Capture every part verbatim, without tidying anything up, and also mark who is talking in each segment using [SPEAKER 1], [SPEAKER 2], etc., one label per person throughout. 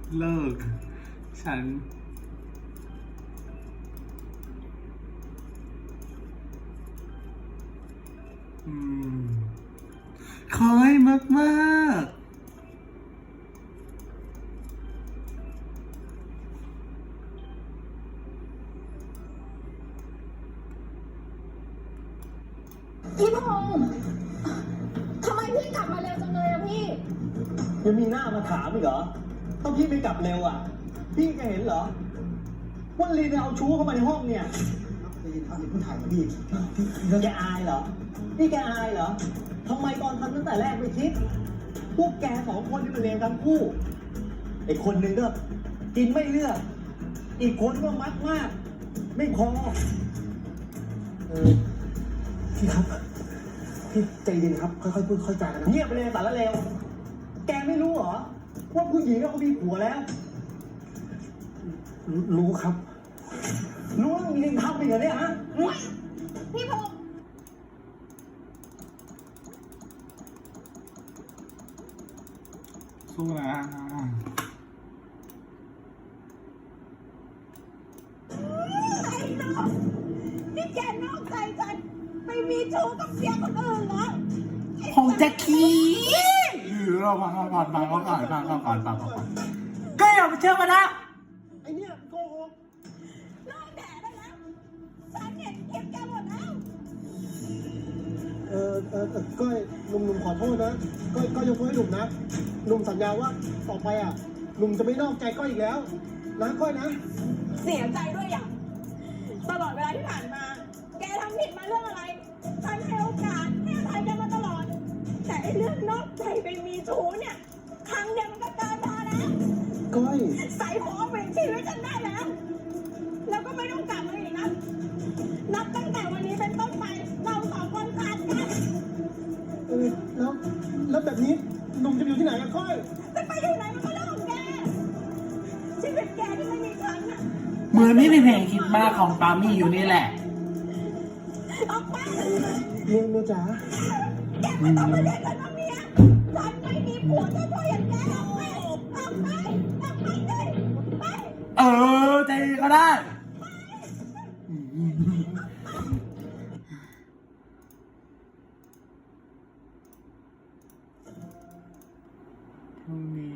[SPEAKER 1] เลิกฉันอืมคอยมากมาก
[SPEAKER 2] พี่พงษ์ทำไมพี่กลับมาเร็วจังเลยอะพี่
[SPEAKER 3] ยังมีหน้ามาถามอีกเหรอต้องพี่ไม่กลับเร็วอ่ะพี่แกเห็นเหรอว่าลีนเอาชู้เข้ามาในห้องเนี่ยได้ยินท่านผู้ถ่ายมาพี่แกอายเหรอนี่แกอายเหรอทำไมตอนทำตั้งแต่แรกไม่คิดพวกแกสองคนนี่มันเลวทั้งคู่ไอ้คนหนึ่งก็กินไม่เลือกอีกคนก็มัดมากไม่พอเออพี่ครับพี่ใจเย็นครับค่อยๆพูดค่อยๆจากันนะเงียบไปเลยสารเลวแกไม่รู้เหรอว่าผู้หญิงเขามีผัวแล้ว รู้ครับ รู้แล้วมีทำอีกเหรอเนี่ยฮะ
[SPEAKER 2] พี่พงษ์
[SPEAKER 1] สู้นะ
[SPEAKER 2] ไอ้น้องนี่แกนอกใจฉันไปมีชู้กับเสียคนอื่นเหรอ
[SPEAKER 1] ผมจะขี้เราฟังก่อนฟังก่อนฟังก่อนฟังก่อนฟังก่อนก็อย่าไปเชื่อมันนะ
[SPEAKER 3] ไอเนี่ยโกหก
[SPEAKER 2] เลิกแดดได้แล้วฉันเห็นคลิปแกหมดแล้ว
[SPEAKER 3] เออเออก้อยหนุ่มๆขอโทษนะก้อยก้อยยกโทษให้หนุ่มนะหนุ่มสัญญาว่าต่อไปอ่ะหนุ่มจะไม่นอกใจก้อยอีกแล้วนะก้อยนะ
[SPEAKER 2] เสียใจด้วยอย่างตลอดเวลาที่ผ่านมา แกทำผิดมาเรื่องอะไรฉันให้โอกาสให้อภัยแกมาตลอดแต่ไอ้เรื่องนอกใจไปมีชู้เนี่ยครั้งเดียวมันก็เกินพอแล้ว
[SPEAKER 3] ก้อย
[SPEAKER 2] ใส่หัวเป็นชีวิตฉันได้แล้วแล้วก็ไม่ต้องกลับมาอีกนะนับตั้งแต่วันนี้เป็นต้นไปเราสองคนขาดกัน
[SPEAKER 3] เออแล้วแล้วแบบนี้หนุ่มจะอยู่ที่ไหนอะก้อย
[SPEAKER 2] จะไปอยู่ไหนมันก็เรื่องของแกชีวิตแกที่ไม่มีฉันน่ะ
[SPEAKER 1] เหมือนไม่มีเพลงคิดมากของปามี่อยู่นี่แหละ
[SPEAKER 2] ออกไป
[SPEAKER 3] เมียเมียจ๋า
[SPEAKER 2] แกไม่ต้องมาเรียกฉันว่าเมียฉันไม่มีผัวเจ้าพ่ออย่างแกออกไปออกไปออกไปเลยไป
[SPEAKER 1] เออใจก็ได้พรุ่งนี้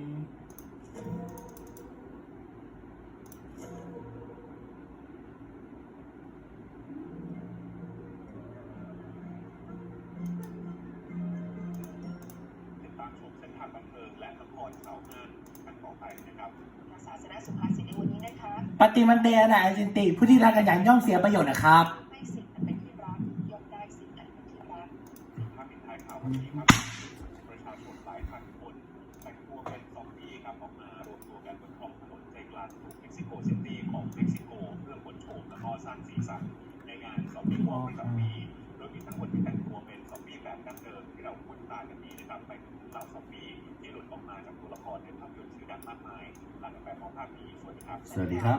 [SPEAKER 4] ตามชมเส้นทางบันเทิงและละครข่าวห้างกันต่อไปนะครับ
[SPEAKER 2] ศาสนาสุภาษิตในวันนี้นะคะ
[SPEAKER 1] ปฏิมันเตนะไอจินติผู้ที่รักกันอย่างย่อมเสียประโยชน์นะครับ
[SPEAKER 2] ให้สิ่งอันเป็นที่รักย่อมได้สิ่งอันเป็นที่รัก
[SPEAKER 4] ภาพปิดท้ายข่าววันนี้ครับประชาชนหลายพันคนแต่งตัวเป็นซอมบี้ครับออกมารวมตัวกันบนท้องถนนใจกลางกรุงเม็กซิโกซิตี้ของเม็กซิโกเพื่อขนโฉมและก็สร้างสีสันในงานซอมบี้วอล์กประจำปีโดยมีทั้งคนที่แต่งตัวเป็นซอมบี้แบบดั้งเดิมที่เราคุ้นตากันดีนะครับไปถึงเหล่าซอมบี้ที่หลุดออกมาจากตัวละครในภาพยนตร์ชื่อดังมากมายหลังจากแบบมองภาพนี้สวัสดีครับ
[SPEAKER 1] สวัสดีครับ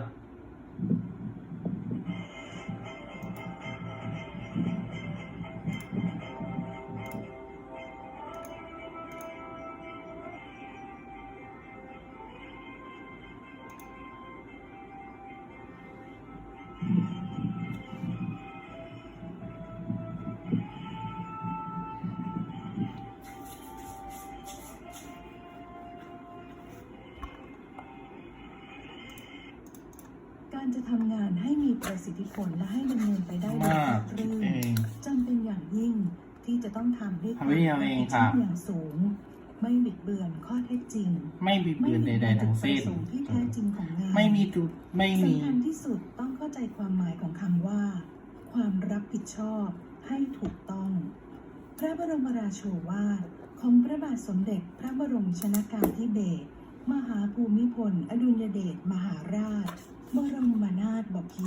[SPEAKER 5] การจะทำงานให้มีประสิทธิผลและให้ดำเนินไปได้โดยราบรื่นจำเป็นอย่างยิ่งที่จะต้องทำด้วยความ
[SPEAKER 1] รับผิดชอบ
[SPEAKER 5] อย่างสูงไม่บิดเบือนข้อเท็จจริง
[SPEAKER 1] ไม่บิดเบือนใดๆทั้งสิ้น
[SPEAKER 5] ที่แท้จริงของงาน
[SPEAKER 1] ไม่มีจุดไม่มี
[SPEAKER 5] สำคัญที่สุดต้องเข้าใจความหมายของคำว่าความรับผิดชอบให้ถูกต้องพระบรมราโชวาทของพระบาทสมเด็จพระบรมชนกาธิเบศรมหาภูมิพลอดุลยเดชมหาราชบรมนาถบพิตร